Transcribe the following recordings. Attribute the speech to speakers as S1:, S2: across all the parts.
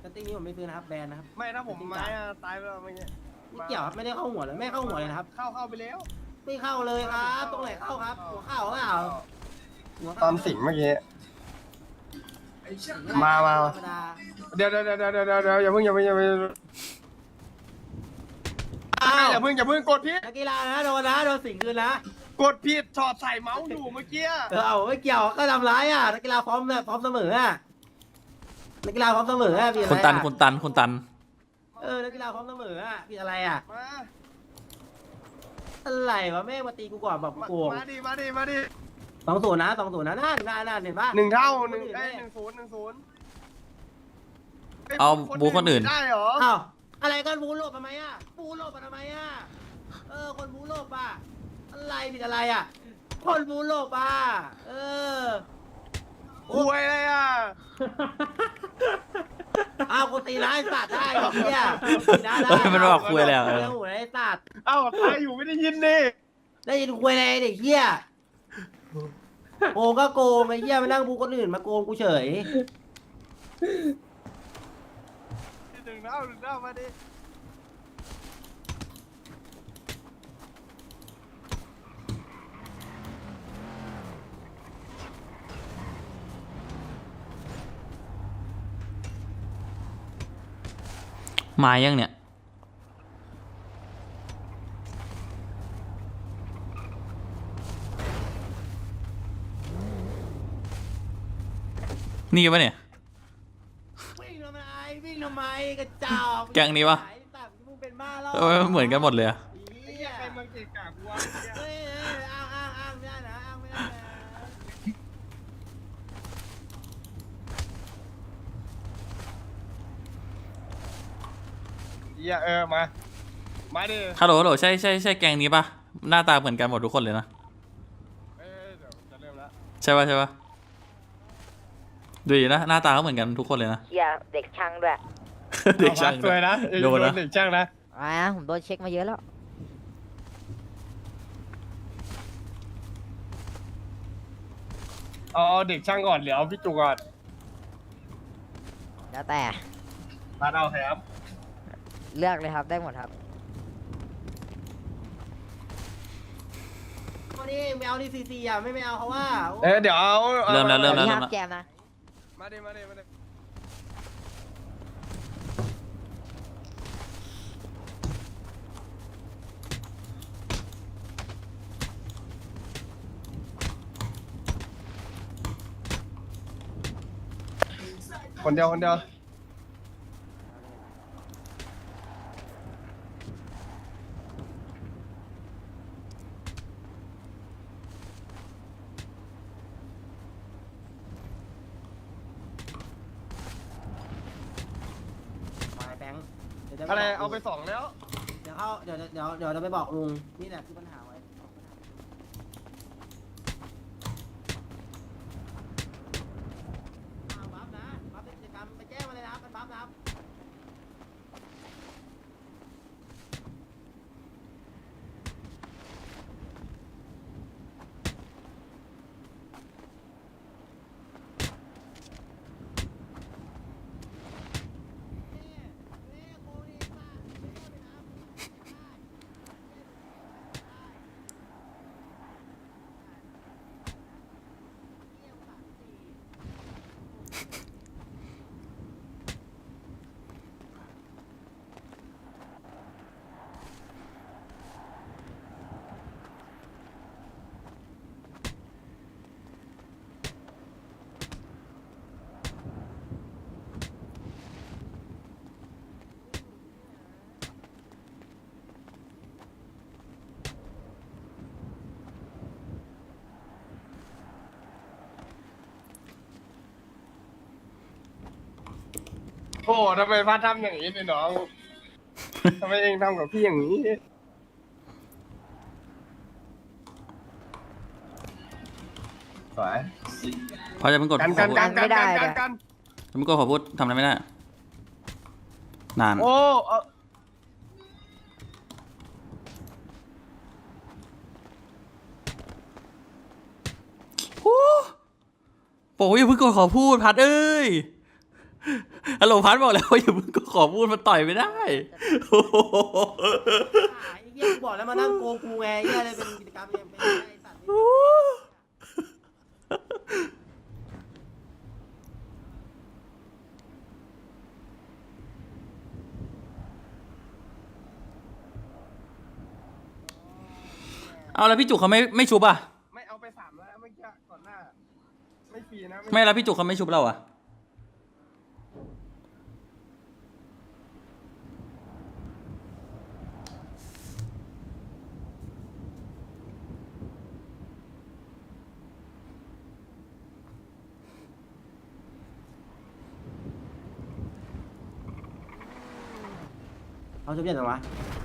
S1: ติ้งนี้ผมไม่ซื้อนะครับแบนนะครับ
S2: ไม่ถ้าผมไม้ตายไปแล้วเมื่อกี้
S1: ไม่เกี่ยวครับไม่ได้เข้าหัวเลยไม่เข้าหัวเลยนะครับ
S2: เข้าไปแล้ว
S1: ไม่เข้าเลยครับตรงไหนเข้าครับหัวเข้าเปล่าหัว
S2: ตอนสิงเมื่อกี้มา
S1: ธรรมดา
S2: เดี๋ยวอย่าเพิ่งอย่าเพิ่งกดผิด
S1: นักกีฬานะโดนสิงคืนนะ
S2: กดผิดถอดใส่เมาส์อยู่เมื่อกี้
S1: เอาไม่เกี่ยวก็ทำร้ายอ่ะนักกีฬาพร้อมเนี่ยพร้อมเสมออ่ะนักกีฬาพร้อมเสมออ่ะพี่อะไร
S3: คุณตัน
S1: นักกีฬาพร้อมเสมออ่ะพี่อะไรอ่ะ
S2: มา
S1: อะไรวะแม่งมาตีกูก่อนบอกกูโกง
S2: มาดิ
S1: 2-0นะน่าเห็นปะ
S2: 1 เท่า1ได้1-0
S3: เอาบูคนอื่น
S2: ได้เหรอ
S1: อ้าวอะไรกันบูโลบทำไมอ่ะบูโลบทำไมอ่ะคนบูโลบอ่ะอะไรผิดอะไรอ่ะคนบูโลบอ่ะ
S2: คุยเลยอ่ะ
S1: อ้าวกูตีร้ายสัตว์ได้ไอ้เหี้ยได้
S3: มันบอกคุยแล้ว
S1: โอ้โหไอ้สัตว์
S2: เอ้าตายอยู่ไม่ได้ยินดิ
S1: ได้ยินคุยอะไรเด็กเหี้ยโกงก็โกงไอ้เหี้ยมานั่งบูคนอื่นมาโกงกูเฉย
S2: 1 เท่ามาดิ
S3: มายังเนี่ยนี่ปะเนี่ย
S1: วิ่งทำไมกระจอก
S3: แก๊งนี้ปะ
S1: ไอ้สัตว์มึงเป็นบ้าแล้ว
S3: เหมือนกันหมดเลยอะ
S1: เหี้ย
S2: ใครเมืองเกกากวะ
S1: เฮ้ยอ้างไม่ได้นะอ้างไม่ได้นะ
S2: มาดิ
S3: ฮัลโหลใช่แก๊งนี้ปะหน้าตาเหมือนกันหมดทุกคนเลยนะ
S2: เดี๋ยวจะเริ่มแล้ว
S3: ใช่ปะดูดินะหน้าตาก็เหมือนกันทุกคนเลยนะ
S4: เชียเด็กช่างด้วย
S3: เด็กช่าง
S2: สวยนะ
S3: โดนนะ
S2: เด็กช่างนะ
S4: ผมโดนเช็คมาเยอะแล้ว
S2: เอาเด็กช่างก่อนเดี๋ยวเอาพี่จุกก่อน
S4: แล้วแต่
S2: มาเอาครับ
S4: เลือกเลยครับได้หมดครับ
S1: วันนี้ไม่เอาที่ซีอ่ะไม่เอาเขาว่า
S2: เดี๋ยวเอา
S3: เริ่มแล้ว
S4: พี่ห้ามแจมนะ
S2: มาดิคนเดียว
S1: ไปแบงค์ดี๋ยวจ
S2: อะไร
S1: บก
S2: เอาไป
S1: ลุง
S2: 2 แล้ว
S1: เดี๋ยวเราไปบอกลุงนี่แหละคือปัญหาไว้บัฟนะบัฟเป็นกิจกรรมไปแจ้งมาเลยนะครับเป็นบัฟนะครับ
S2: โอ้ทำไมพัดทำอย่างนี้เนี่ยน้องทำไมเองทำกับพี่อย่างนี้สวย
S3: เพราะจะเป็นกด
S2: กัน
S3: ขอพูด จะเป็นกดขอพูดทำอะไรไม่ได้นาน
S2: โอ้
S3: โอ้ยอย่าเพิ่งกดขอพูดพัดเอ้ยฮัลโหลพัดบอกแล้วว่าอย่าเพิ่งก็ขอพูดมาต่อยไม่ได้โอ้โห
S1: ไอ้เหี้ยกูบอกแล้วมานั่งโกงกูไงไอ้เหี้ยอะไรเป็นกิจกรรมยังเป็นไอ้สัตว์นี่
S3: เอาแล้วพี่จุกเขาไม่ชุบอ่ะ
S2: ไม่เอาไป3แล้วเมื่อกี้ก่อนหน้าไม่ฟรีนะ
S3: ไม่แล้วพี่จุกเขาไม่ชุบเราอ่ะ
S1: เขาจะเปลี่ยนหรอวะ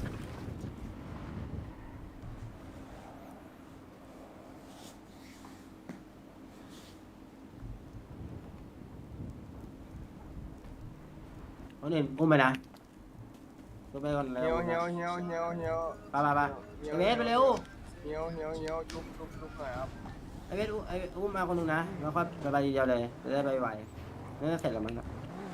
S1: เขาเนี่ยอุ้มไปนะอุ้มไปก่อนเร็
S2: เหี่
S1: ว
S2: ยวเหี่ยวเหี่ยวเหี่ยวเหี่ยว
S1: ไปไอ้เวสไปเร็ว
S2: เหี่ยวเหี่ยวเหี่ยวลุกหน่อยครับ
S1: ไอ้เวสอุ้มมาคนหนึงนะแล้วค่อยไปทีเดียวเลยจะได้ไปไหวนี่เสร็จแล้วมั้ง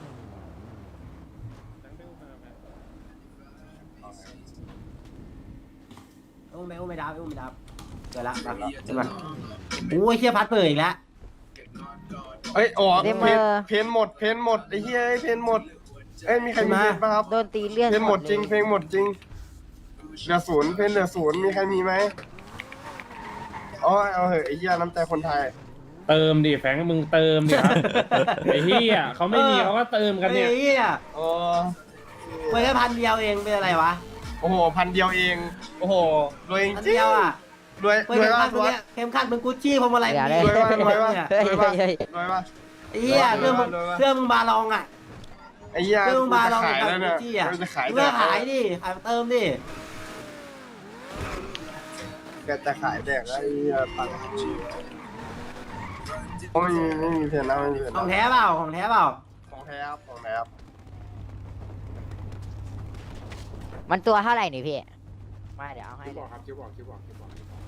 S1: อุ้มไม่ดับเกิดละใช่ไหมโอ้ยเฮียพัดเปิดอีกแล้ว
S2: เอ้ยอ๋อเพนหมดไอ้เหี้ยเพนหมดเอ้ยมีใครมีเพนป่ะครับ
S4: โดนตีเลื่อน
S2: เพนหมดจริง
S4: เลย
S2: เพลงหมดจริงเหลือ0เพนเหลือ0มีใครมีไหมอ๋อเอาเหอะไอ้เหี้ยน้ำใจคนไทย
S5: เติมดิแฟงมึงเติมดิครับ ไอ้เหี้ยเขาไม่มีเขาก็เติมกันเนี่ย
S1: ไอ้เฮีย
S2: โอ้
S1: เปิดแค่1,000เองเป็นอะไรวะ
S2: โอ้โห1,000 เดียวเองโอ้โหรวยจริง
S1: 1,000เดียวอ่ะ
S2: รวย
S1: เปิด
S2: รวย
S1: เข็ม
S2: ว่า
S1: ขัดมึงเนี่ยเข็มขัดมึงกุชชี่พวงมาลัย
S4: อย่า
S1: มึง
S4: ได้
S1: มี
S2: รวยว่า
S4: เฮ้ยเฮ้ยเฮ้ย
S2: รวยว่า
S1: ไอ้เหี้ยเรื่องมึงบาลองอ่ะ
S2: ไอ้เหี้ย
S1: เรื่องมึงบาลอง
S2: ขาย
S1: กับ
S2: แล้ว
S1: กุ
S2: เนี่ย
S1: ชชี่อ่ะ
S2: จะขาย
S1: มึงก็ขายดิขายมาเติมดิ
S2: แกจะขายแดกแล้วไอ้เหี้ยตังค์โอ้ไม่มีเพนนะไม่มีเพน
S1: ของแท้เปล่าของแท้เปล่า
S2: ของแท้ครับของแท้ครับ
S4: มันตัวเท่าไหร่นี่พี่ไม่เดี๋ยวเอาให้
S5: คิว
S4: เล
S5: บอย กครับคิวบอกคิวบอกคิวบอก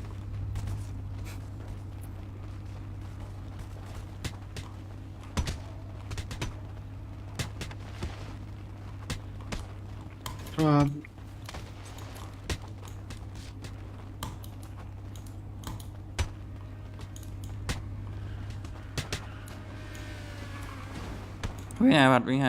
S2: ครับ
S3: วิ่งไงพัดวิ่งไง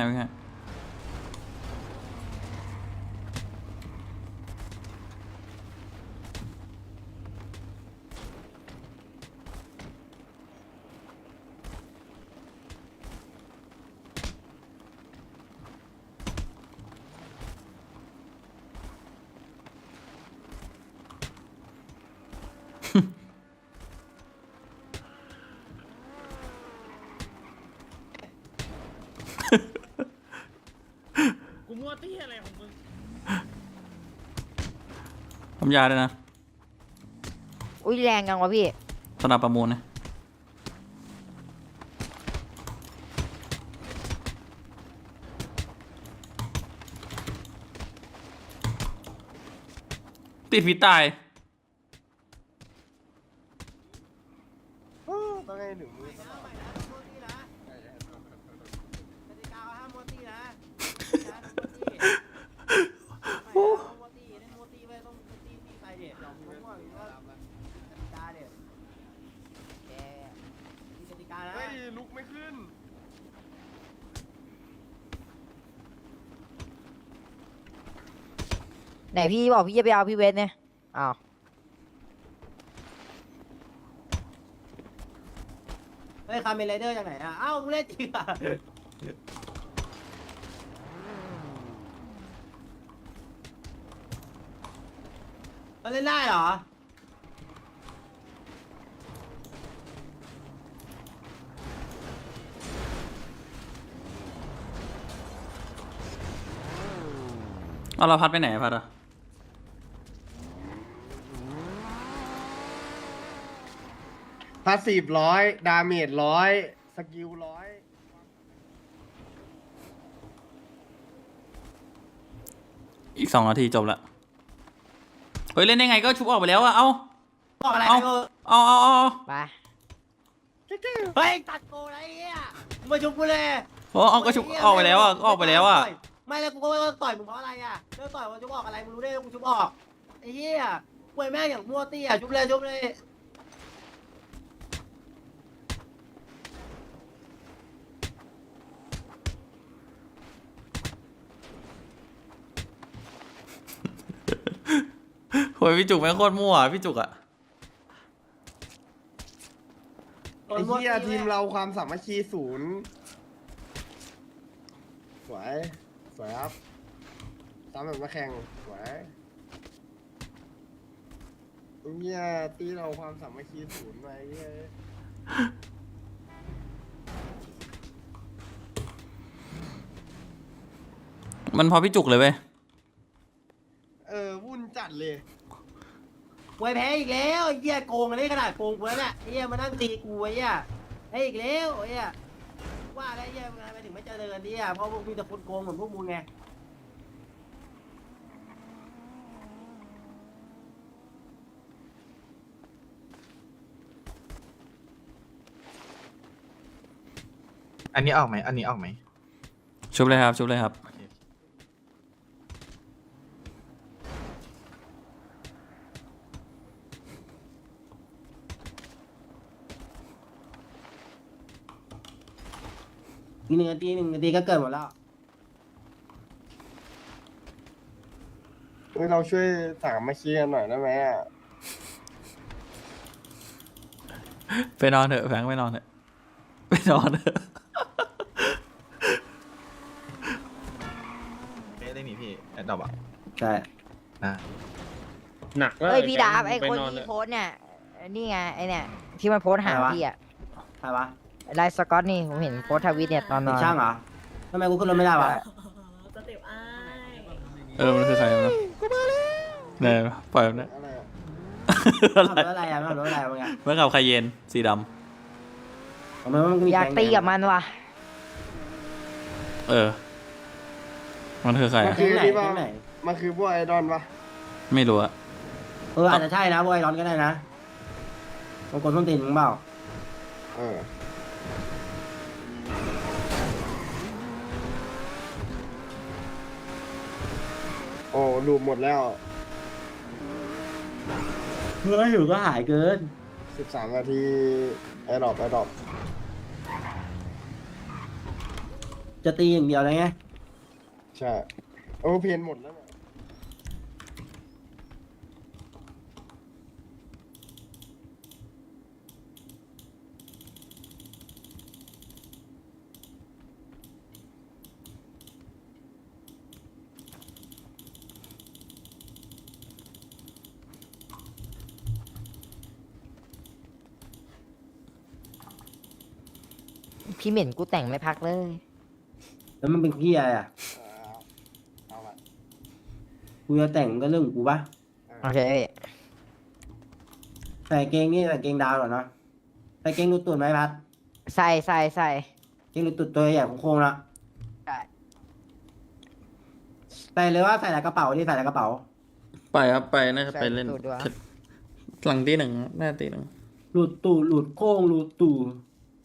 S5: กูมั่วเตี้ยอะไรของมึง
S3: ทำยาด้วยนะ
S4: อุ้ยแรงจังวะพี่
S3: สนับประมูลนะติดฝีตาย
S2: ต้องให้ถึงมือ
S1: กติกาห้ามโมตี้นะโมตี้เล่นโมตี้ไปต้องโมตี้ตีไปเด็ดลองมั่วหรือว่ากติกาเด็ดมีกติกานะ
S2: เฮ้ยลุกไม่ขึ้น
S4: ไหนพี่บอกพี่จะไปเอาพี่เวสเนี่ยอ้าว
S1: เฮ้ยคาเมนไรเดอร์จากไหนอ่ะเอ้ามึงเล่นจริงอ่ะมันเล่นได้เหรอ
S3: เอาเราพัดไปไหนพัดอ่ะ
S2: พาสซีฟ100 ดาเมจ100 สกิล100
S3: อีก2 นาทีจบละเฮ้ยเล่นได้ไงก็ชุบออกไปแล้วอะเอา
S1: บอกอะไร
S3: เอา
S1: ไม่รู้
S3: เอา
S4: ไป
S1: เฮ้ยตัดโกอะไรเงี้ยมึงมาชุบกูเลย
S3: เพราะเอาก็ชุบออกไปแล้วอ่ะก็ออกไปแล้วอ่ะ
S1: ไม่แล้วกูก็ว่าต่อยมึงเพราะอะไรอ่ะเลิกต่อยว่าชุบออกอะไรมึงรู้ได้ว่ากูชุบออกไอ้เหี้ยป่วยแม่งอย่างมั่วเตี้ยชุบเลยชุบเลย
S3: โหยพี่จุกแม่งโคตรมั่วพี่จุกอ่ะ
S2: ไอ้เหี้ยทีมเราความสามัคคีศูนย์สวยสวยครับตามแบบมาแข่งสวยไอ้เหี้ยตีเราความสามัคคีศูนย์ไปเหี้ย
S3: มันพอพี่จุกเลยเว้ย
S2: วุ่นจัดเลย
S1: ป่วยแพ้อีกแล้วไอ้เหี้ยโกงกันได้ขนาดโกงกูแล้วเนี่ยไอ้เหี้ยมานั่งตีกูไอ้เหี้ยไอ้อีกแล้วไอ้เหี้ยว่าแล้วไอ้เหี้ยทำไมถึงไม่เจริญเนี่ยเพราะพวกมีแต่คนโกงเหมือนพวกมึงไง
S6: อันนี้ออกไหม อันนี้ออกไหม
S3: ชุบเลยครับชุบเลยครับ
S6: โอเค
S1: อีก1 นาทีก็เกิดหมดแล้ว
S2: เราช่วยสามัคคีกันหน่อยได้ไหมอ่ะ
S3: ไปนอนเถอะแฟงไปนอนเถอะไปนอนเถอะ
S6: ได้นี่พี่แอดดอปอ่ะ
S1: ใช่
S6: นะ
S5: หนักแล้ว
S4: เอ้ยพี่ดาบไอ้
S5: ป
S4: คน
S5: นอน
S4: ที่
S5: เถอะ
S4: โพสต์เนี่ยนี่ไงไอ้เนี่ยที่มันโพสต์หาพี่อะ
S1: ใครวะ
S4: ไลฟ์สกอตนี่ผมเห็นโพสต์ทวิตเนี่ยตอนน
S1: เป็น
S4: อน
S1: ช่างเหรอทำไมกูขึ้นรถไม่ได้วะ
S7: สเต็ปอ้าย
S3: มันคือใครวะเนี่ยปล่อยมันนะ
S2: อะไรอ่ะ
S1: ขับรถอะไรอ่ะไม่ขับรถอะไรวะไง
S3: เมื่อกับไคเยนสีด
S1: ทำไมมันมี
S4: อยากตีกับมันว่ะ
S3: ำมันคือใครอะ
S1: แก๊งไหนแก๊งไหน
S2: มันคือพวกไอดอลปะ
S3: ไม่รู้อะ
S1: อาจจะใช่นะพวกไอรอนก็ได้นะบางคนต้องตีนมึงเปล่า
S2: เออโอ้ลูปหมดแล้ว
S1: เมื่อหิวก็หายเกิน
S2: 13 นาทีไอดอป
S1: จะตีอย่างเดียวเลยไง
S2: ใช่โอ้เพนหมดแล้วเนี่ย
S4: พี่เหม็นกูแต่งไม่พักเลย
S1: แล้วมันเป็นขี้อะไรอ่ะ
S2: เอาละ
S1: กูจะแต่งก็เรื่องของกูปะ
S4: โอเคพี่
S1: ใส่เกงนี่ใส่เกงดาวเหรอเนาะใส่เกงรูดตูดไหมพัด
S4: ใส่ใส่ใส่
S1: เกงรูดตูดตัวใหญ่ของโค้งๆละ
S4: ใช่
S1: ใส่เลยว่าใส่ในกระเป๋านี่ใส่ในกระเป๋า
S3: ไปครับไปน่าจะไปเล่น
S4: สูตรด้วย
S3: หลังตีหนึ่งน่าจะตีหนึ่ง
S1: หลุดตูดหลุดโค้งหลุดตูด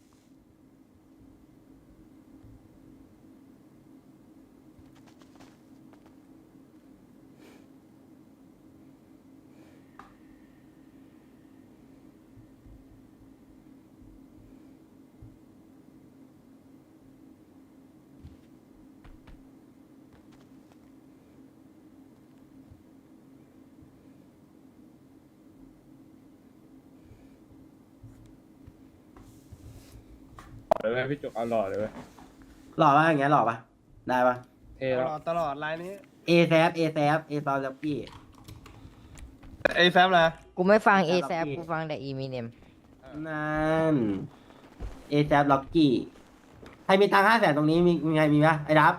S5: หล่อเลยเว้ยพี่จุกเอาหล่อเลยเว้ย
S1: หล่อปะอย่างเงี้ยหล่อปะได้ปะ
S5: เท่
S2: ต
S5: แล้ว
S2: ลอดตลอดไลน์นี้
S1: เอแซฟเอซอลล็อกกี้
S2: ไอแซมนะ
S4: กูไม่ฟังเอ
S1: ค
S4: แซ
S1: รับพี่
S4: กูฟังแต่อีมีเนม
S1: นั่นเอแซฟล็อกกี้ใครมีตังค์500,000ตรงนี้มีไงมีปะไอ้ดับ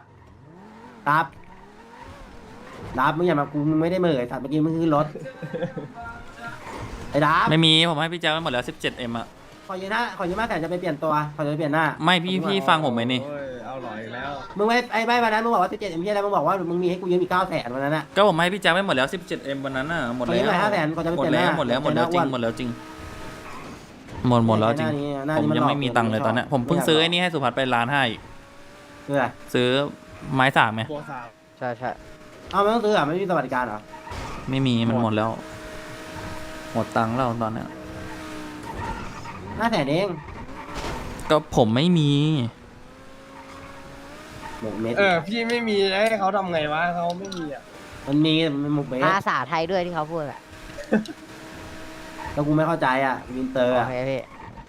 S1: มึงอย่ามากูมึงไม่ได้เหม่อไอ้สัตว์เมื่อกี้มึงขึ้นรถไอ้ดับ
S3: ไม่มีผมให้พี่แจ๊คไปหมดแล้ว 17M อะ
S1: ขอยืม500,000จะไปเปลี่ยนตัวขอจะไปเปลี่ยนหน้า
S3: ไม่พี่ฟังผมไหมนี่
S6: โอ้ยเอาหล่ออีกแล้ว
S1: มึงไม่วันนั้นมึงบอกว่า17เอ็มพีอะไรมึงบอกว่ามึงมีให้กูยืมอีก900,000วันนั้นอะ
S3: ก็ผมให้พี่แจ๊คไปหมดแล้ว 17M วันนั้นน่ะหมด
S1: ขอ
S3: แล้
S1: ยื
S3: ว
S1: มหน่อย500,000ก่อนจะไป
S3: หม
S1: เป
S3: ด
S1: ลี่ยนห
S3: แล้
S1: น้าว
S3: หมดแล้วจริงหมดแล้วจริงหมดแล้วจริง
S1: หน้า
S3: ผม
S1: นี้
S3: ยังไม่มีตังค์เลย
S1: ห
S3: ตอนเนี้ยผมเพิ่งซื้อไอ้นี่ให้สุภัทรไป1.5 ล้านอีก
S1: คืออะไร
S3: ซื้อไม้สามไหม
S5: ตัวสาว
S4: ใช่ใช่
S1: เอาไม่ต้องซื้ออ่ะไม่มีสวัสดิการเหรอ
S3: ไม่มีมันหมดแล้ว หมดตังค์แล้วตอนเนี้ย
S1: 500,000เอง
S3: ก็ผมไม่มี
S1: หมกเม็ด
S2: พี่ไม่มีให้เขาทำไงวะเขาไม่มีอ่ะ
S1: มันมีมันหมกเม็ด
S4: ภาษาไทยด้วยที่เขาพูดอะ
S1: แล้วกูไม่เข้าใจอ่ะวินเตอร์
S4: โอ
S1: อ่ะ
S4: เคพี่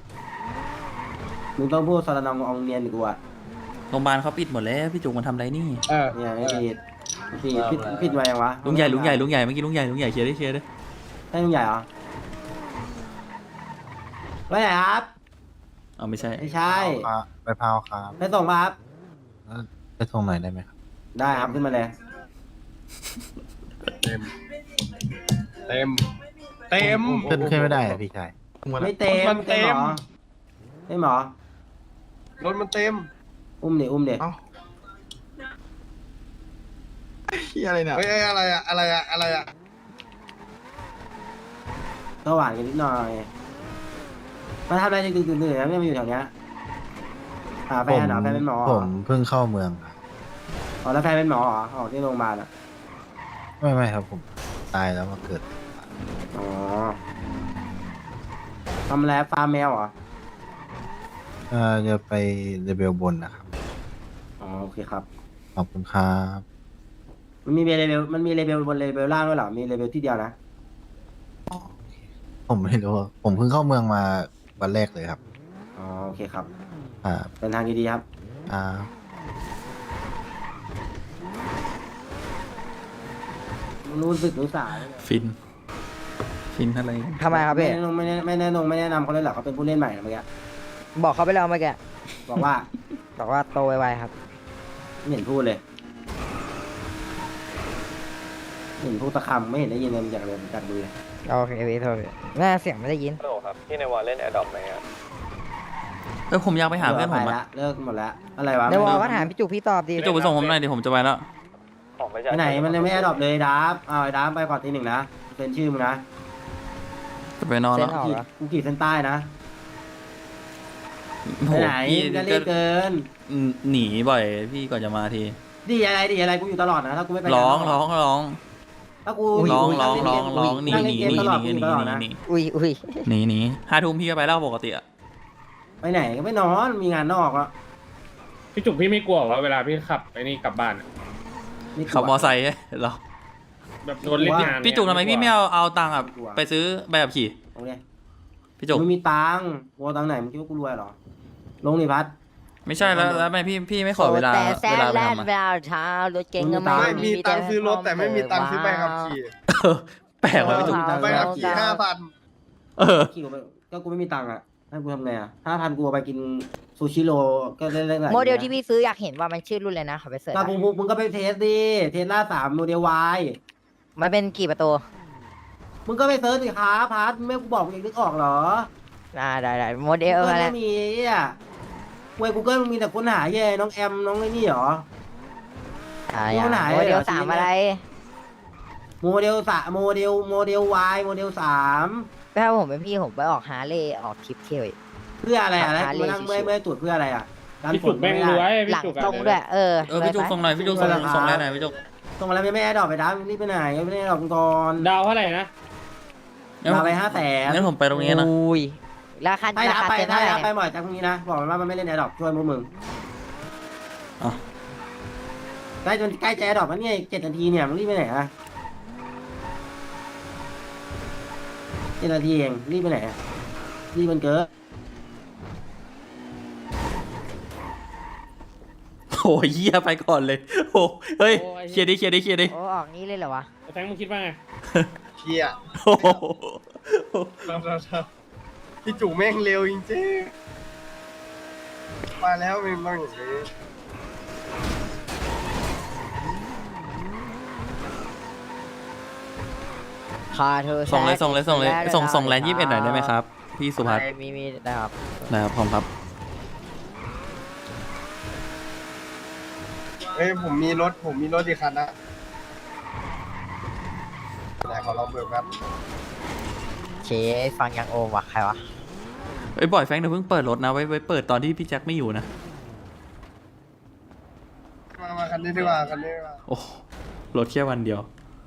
S1: มึงต้องพูดสระนองอองเนียนกูอ่ะ
S3: โรงพยาบาลเขาปิดหมดแล้วพี่จุกมันทำอะไรนี่
S1: เนี่ยไม่ผิดผิดไว้ยังวะ
S3: ลุงใหญ่เมื่อกี้ลุงใหญ่เคลียร์ดิ
S1: ใช่ลุงใหญ่เหรอไปไหนครับ
S3: เอาไม่ใช่
S1: ไม่ใช่
S7: ไปพาวครับ
S1: ไปส่งมาครับ
S7: ไปส่งหน่อยได้ไหมครับ
S1: ได้ครับขึ้นมาเลย
S2: เต็มเต็มเต็ม
S7: ขึ้นไม่ได้อะพี่ชาย
S1: ไม่เต็ม
S2: มันเต็ม
S1: หรอไม่หมอ
S2: รถมันเต็ม
S1: อุ้มเดี๋ยวอุ้มเดี๋ยว
S6: เอ้าเฮียอะไรเนี่ย
S2: เฮ้ยอะไรอะอะไรอะอะไรอะ
S1: ก็หวานกันนิดหน่อยมาทำอะไรดึกๆดื่นๆนะไม่มาอยู่แถวเนี้ยหาแฟนเหรอแฟนเป็นหมอเหร
S7: ผ
S1: อ
S7: มเพิ่งเข้าเมืองครับ
S1: อ๋อแล้วแฟนเป็นหมอเหรอออกที่โรงพยาบาลอ่ะ
S7: ไม่ครับผมตายแล้วมาเกิด
S1: อ๋อทำแล้วฟาร์มแมวเหรอ
S7: จะไปเลเวลบนนะครับ
S1: อ๋อโอเคครับ
S7: ขอบคุณครับ
S1: มันมีเลเวลมันมีเลเวลบนเลเวลล่างด้วยเหรอมีเลเวลที่เดียวนะ
S7: ผมไม่รู้ผมเพิ่งเข้าเมืองมาวันแรกเลยครับ
S1: อ๋อโอเคครับ
S7: อ่า
S1: เดินทางดีๆครับ
S7: อ่า
S1: รู้สึกรู้สาเลยเนี่ย
S3: ฟินอะไร
S4: ทำไมครับพี่
S1: ไม่แนะนำเขาเลยเหรอเขาเป็นผู้เล่นใหม่นะเมื่อกี้
S4: บอกเขาไปแล้วเมื่อกี้
S1: บอกว่า
S4: บอกว่าโตไวๆครับ
S1: ไม่เห็นพูดเลยไม่เห็นพูดตะคำไม่เห็นได้ยินเลยจากเลยจากดูเลย
S4: โอเคพี่โทษพี่แม่เสียงไม่ได้ยิน
S3: ผมอยากไปหาเพื่อนผม
S1: ไป
S3: อะ
S1: ละเลิกหมดละอะไรวะ
S4: ในวอลก็ถามพี่จุกพี่ตอบดี
S3: พี่จุกไปส่งผมหน่อยเดี๋ยวผมจะไปแล้ว
S1: ไปไหนมันยังไม่ได้ดรอปเลยดับเอาไอ้ดับไปก่อนทีหนึ่งนะเซ็นชื่อมึงนะ
S3: จะไปนอน
S4: เส้
S3: แล้ว
S4: นออกเหรอ
S1: กูขีดเส้นใต้นะ
S3: โอ้
S1: ไป
S3: โห
S1: ไหน
S3: พี่
S1: มึงก็รีบเกิน
S3: หนีบ่อยพี่ก่อนจะมาที
S1: ดีอะไรกูอยู่ตลอดนะถ้ากูไม่ไป
S3: ร้อง
S1: ถ้ากู
S3: ร้อง
S1: นั่เล่นเกมตลอดกูอยู่ตลอดนะ
S4: อุ้ย
S3: หนี5 ทุ่มพี่ก็ไปแล้วปกติอะ
S1: ไปไหนก็ไม่นอนมีงานนอกอ่ะ
S5: พี่จุกพี่ไม่กลัวว่าเวลาพี่ขับไอ้นี่กลับบ้านอะ
S3: ขับมอไซค์เหรอ
S5: แบบโดนเล่นงานเนี่ย
S3: พี่จุกทำไมพี่ไม่เอาตังค์อะไปซื้อใบขับขี่
S1: ลงเลย
S3: พี่จุก
S1: มึงมีตังค์กูเอาตังค์ไหนมึงคิดว่ากูรวยเหรอลงนี่พัด
S3: ไม่ใช่แล้วทำไมพี่ไม่ขอเวลา
S4: แต่แซ่
S3: เวลาไป
S4: แลน
S3: ทำอะ
S4: เวลาเช้ารถเก่งก็
S2: ไม่มีตังค์ซื้อรถแต่ไม่มีตังค์ซื้อใบขับขี่
S3: แปลกว่ะพี่จุก
S2: ใบขับขี่5,000
S3: เออ
S1: ขี่กูไปก็กูไม่มีตังค์อ่ะให้กูทำไงอ่ะ5,000กูเอาไปกินซูชิโร่ก็ได้หลาย
S4: โมเดลที่พี่ซื้ออยากเห็นว่ามันชื่อรุ่นเลยนะขอไปเสิร์ช
S1: ก็มึงก็ไปเทสดิเทสล่า3โมเดล Y
S4: มันเป็นกี่ประตู
S1: มึงก็ไปเซิร์ชสิครับพัดไม่กูบอกมึงเองนึกออกเหรอ
S4: ได้โมเดล
S1: ก็
S4: อะไร
S1: ไม่มีอ่ะเว้ยกูเกิลมึงมีแต่ค้นหาแย่น้องแอมน้องไอ้นี่เหรอ รุ่นไหน
S4: โมเด
S1: เหร
S4: ล
S1: อ
S4: สาม
S1: ชีวิต
S4: อะไร
S1: โมเดล3โมเดล Y โมเดล3
S4: ถ้าผมเป็นพี่ผมไปออกฮาร์เลย์ออกทริปเที่ยวอีก
S1: เพื่ออะไรอ่ะแล้ว
S4: หา
S1: กูนั่ง
S4: เลข
S1: เมื่อยตรวจเพื่ออะไรอ่ะการ
S5: พี่
S1: ฝ
S5: จุ
S1: น
S5: กแม่ง
S1: ไม่
S5: รว
S1: ได้
S5: ย
S4: ห
S5: พี่
S4: ลัง
S5: จุกอะ
S4: ตรงด้วย
S3: พี่จุกส่งหน่อยพี่จุกส่งได้หน่อยพี่จุก
S1: ส่งมาแล้วยังไม่ได้ดอกไปดับรีบไปไหนไม่ได้ดอกก่อน
S5: ดาวเท่าไหร่นะ
S1: มาไป500,000
S3: งั้นผมไปตรงนี้นะ
S4: อุ้ยราคา
S1: ให้
S4: รา
S1: รับ
S4: คา
S1: ไป
S4: เต็ม
S1: ให้
S4: เท่าไหร่
S1: รับไปหมดจากพรุ่งนี้นะบอกมันว่ามันไม่เล่นแอร์ดรอปช่วยพวกมึง
S3: อ๋อ
S1: ใกล้จะแอร์ดรอปแล้วเนี่ย7 นาทีเนี่ยมึงรีบไปไหนอะ7 นาทีเองรีบไปไหนอะรีบมันเกิน
S3: โอ้ยเหี้ยไปก่อนเลยโอ้เฮ้ยเคลียร์ดิ
S4: โอ้ออกนี้เลยเหรอวะ
S5: แฟงมึงคิดว่าไง
S2: เชี่ย
S3: โอ้โห
S2: พี่จุ๋แม่งเร็วจริงๆมาแล้วมันต้องอย่างนี้
S4: คาเธอ
S3: ส่งเลยส่งแลนด์21หน่อยได้ไหมครับ พี่สุภัส
S4: มีได้ครับ
S3: นะครับพร้อมครับ
S2: เฮ้ยผมมีรถอีกคันนะไหนขอลองเบิกแบบ
S4: เชฟังยังโอมวะใครวะ
S3: ไอ้ยบ่อยแฟงเดี๋ยวเพิ่งเปิดรถนะไว้เปิดตอนที่พี่แจ็คไม่อยู่นะ
S2: นนี้ดีกว่าคันนี้ดีกว่า
S3: โอ้รถแค่วันเดียว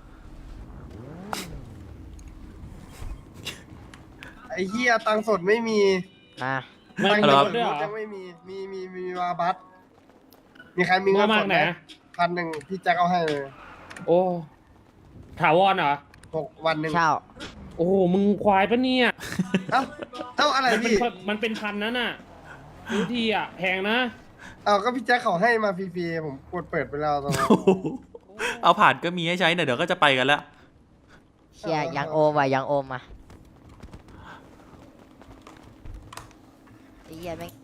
S2: ไอ้เหี้ยตังค์สดไม่มี
S4: มา
S5: ไม่
S2: ตัง
S5: มี
S2: ค์
S5: ร
S2: ส
S5: ถ
S2: ด
S5: ด้วยเหรอ
S2: ยังไม่มีมีวาบัสมีใครมีเงิน
S5: ว่า
S2: ส
S5: มาก
S2: ด
S5: ไห
S2: ไห
S5: น
S2: ม1,000พี่แจ็คเอาให้เลย
S5: โอ้ถาวรเหรอ
S2: 6 วันหนึ่ง
S4: เช่า
S5: โอ้โหมึงควายปะเนี่ย
S2: เอ้าอะไร
S5: มันเป็น
S2: พี่
S5: พันนั้นน่ะซื้อทีอ่ะแพงนะ
S2: เอาก็พี่แจ็คเขาให้มาฟรีๆผมกดเปิดไปแล้วตอนนั้น
S3: เอาผ่านก็มีให้ใช้เดี๋ยวก็จะไปกันแล้ว
S4: เชียยังโอมว่ะยังโอมอ่ะไอ้เหี้ยแม่ง